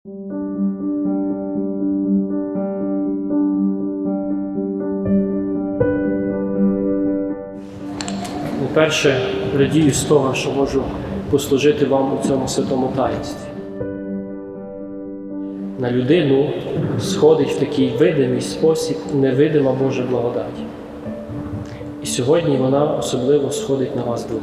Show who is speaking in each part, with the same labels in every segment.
Speaker 1: Перше, радію з того, що можу послужити вам у цьому святому таїнстві. На людину сходить в такий видимий спосіб невидима Божа благодать. І сьогодні вона особливо сходить на вас двох.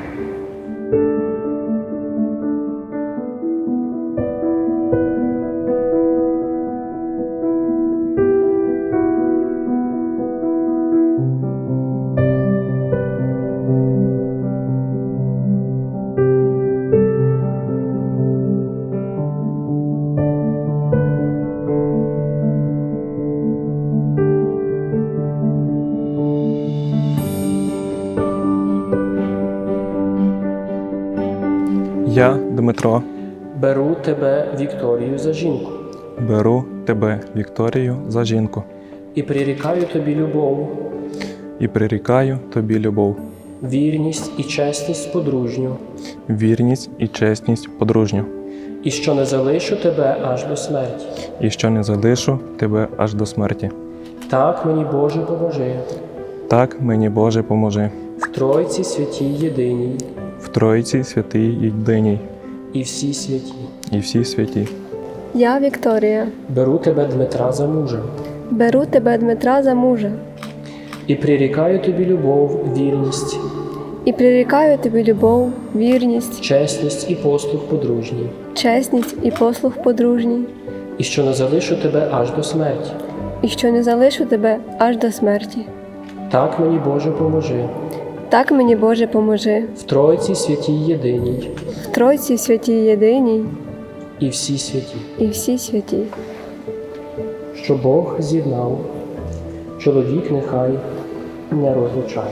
Speaker 2: Я, Дмитро,
Speaker 1: Беру тебе, Вікторію, за жінку
Speaker 2: беру тебе, Вікторію, за жінку
Speaker 1: і прирікаю тобі любов,
Speaker 2: і прирікаю тобі любов,
Speaker 1: вірність і чесність подружню,
Speaker 2: вірність і чесність подружню,
Speaker 1: і що не залишу тебе аж до смерті.
Speaker 2: і що не залишу тебе аж до смерті.
Speaker 1: Так мені, Боже, поможи,
Speaker 2: Так мені, Боже, поможи,
Speaker 1: в Тройці святій єдиній
Speaker 2: в Тройці святий єдиній
Speaker 1: і всі святі.
Speaker 2: і всі святі.
Speaker 3: Я, Вікторія,
Speaker 1: Беру тебе, Дмитра, за мужа
Speaker 3: беру тебе, Дмитра, за мужа
Speaker 1: і прирікаю тобі любов, вірність,
Speaker 3: і прирікаю тобі любов, вірність,
Speaker 1: чесність і послуг подружній,
Speaker 3: чесність і послуг подружній,
Speaker 1: і що не залишу тебе аж до смерті.
Speaker 3: і що не залишу тебе аж до смерті.
Speaker 1: Так мені, Боже, поможи,
Speaker 3: Так мені, Боже, поможи,
Speaker 1: в Тройці святій єдиній
Speaker 3: в Тройці святій єдиній
Speaker 1: і всі святі.
Speaker 3: і всі святі.
Speaker 1: Що Бог з'єднав, чоловік нехай не розлучає.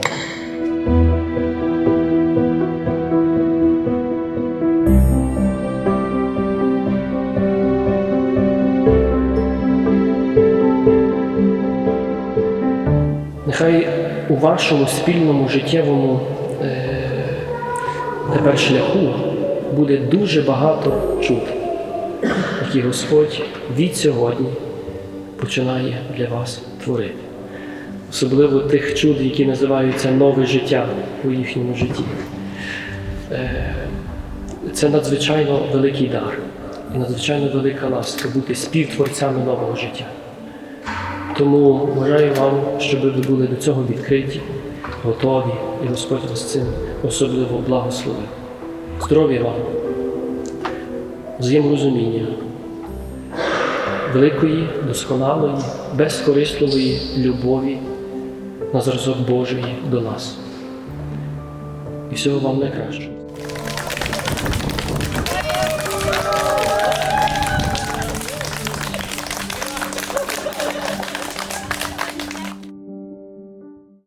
Speaker 1: Нехай у вашому спільному життєвому тепер шляху буде дуже багато чуд, які Господь від сьогодні починає для вас творити. Особливо тих чуд, які називаються нове життя у їхньому житті. Це надзвичайно великий дар і надзвичайно велика ласка бути співтворцями нового життя. Тому бажаю вам, щоб ви були до цього відкриті, готові, і Господь вас цим особливо благословив. Здоров'я вам, взаєморозуміння, великої, досконалої, безкорисливої любові на зразок Божої до нас. І всього вам найкращого.